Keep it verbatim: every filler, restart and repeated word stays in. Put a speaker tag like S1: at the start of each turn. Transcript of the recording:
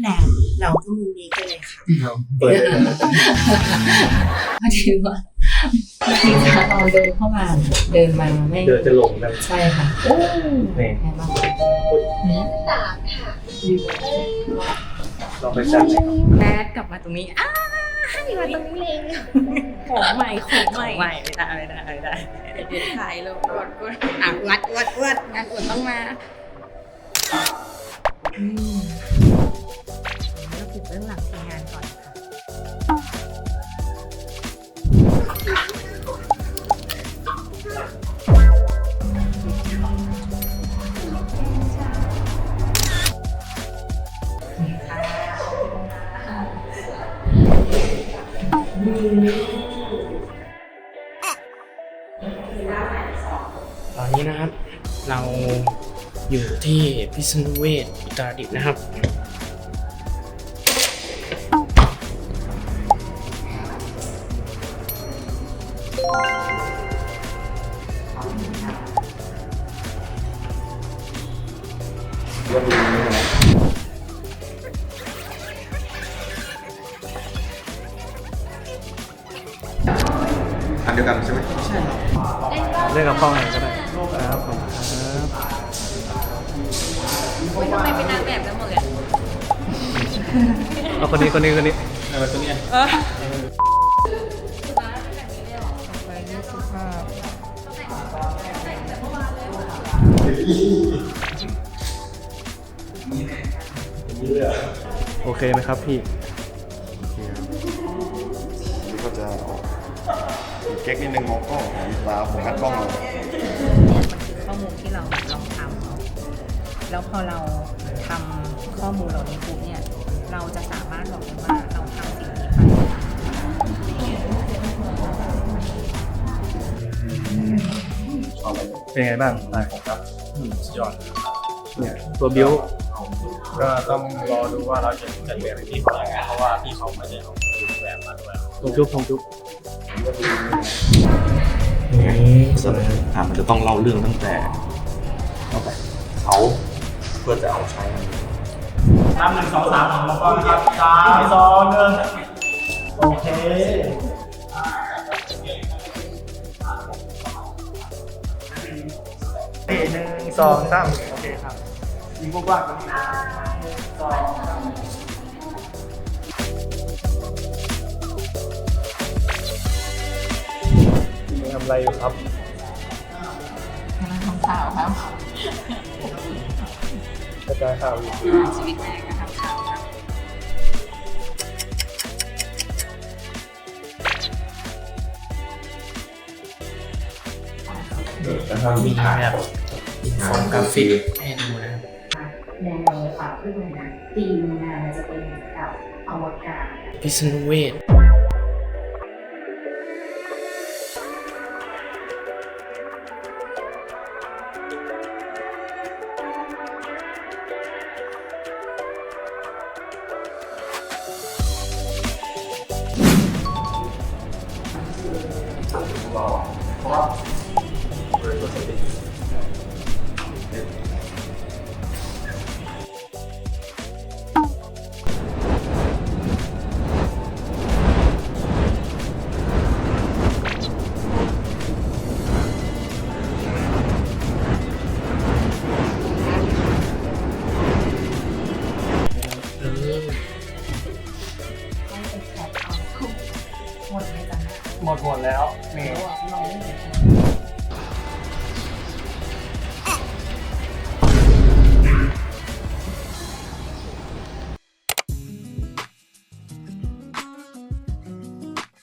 S1: แล้วเราก็มุมนี้กันเลยค่ะ
S2: เปิดเลย
S3: พอดีว่าพอดีค่ะเราเดินเข้ามาเดินมาไม่
S2: เดินจะหลงกัน
S3: ใช่ค่ะโอ้นี่ไงบ้างนี่
S1: สามค่ะ
S2: ลองไปจับเลย
S3: แบดกลับมาตรงนี้อ้าให้มาตรงนี้เลยของใหม่ของใหม่ใหม่ไม่ได้ไม่ได้ไม่ได้เดี๋ยวถ่ายแล้วอวดอวดอ่ะอวดอวดอวดงานอวดต้องมาอืมเราปิดเรื่องหลังทีมงานก่อนค่ะ
S4: ตอนนี้นะครับเราอยู่ที่พิษณุเวศอุตรดิตถ์นะครับ
S2: อันเดียวกันใช่ไหมใช่เล่นกับพ่อไหนก็ได้ครับผมครับ
S3: ทำไมเป็นนางแบบกันหมดเลย
S2: เอาคนนี้คนนี้คนนี้เอาคนนี้โอเคไหมครับพี่
S5: นี่ก็จะออกเก๊กนิดนึงมองกล้องมีตาโฟกัสกล้องเลย
S3: มันคือข้อมูลที่เราลองทำแล้วพอเราทำข้อมูลเหล่านี้ปุ๊บเนี่ยเราจะสามารถบอกได้ว่าเราทำสิ่งนี้ไป
S2: เป็นไงบ้างลายของครับสุดยอดเนี่ยตัวบิ้ว
S6: ก็ต้องรอดูว่าเราจะจัดแบบที่เขาอย่างไรเพราะว่าพี่เขาไม่ได้เอาแบบมาด้วย
S2: ทงจุ๊บทงจุ๊บ
S5: ส่วนอ่ามันจะต้องเล่าเรื่องตั้งแต่ตั้งแต่เขาเพื่อจะเอาใช้
S6: สามหนึ่งสองสามแล้วก็ครับสามสองหนึ่งโอเคหนึ่งสองสามโอเคครับยิงกว้างๆกันสองทำอะไรอยู่ครับ
S3: กำลังทำข่าวครับ
S6: กระจายข่าวอยู่
S3: ชีวิตแม่ก็ทำข่าวครับ
S4: มีแบบอินโฟกราฟิกให้ดูนะครับ
S3: แนวข่าวขึ้นมาธีมงานจะเป็นกับอวกาศ
S4: พิษณุเวศ
S3: หมดไหมจ๊ะ
S6: หมดหมดแล้วนี่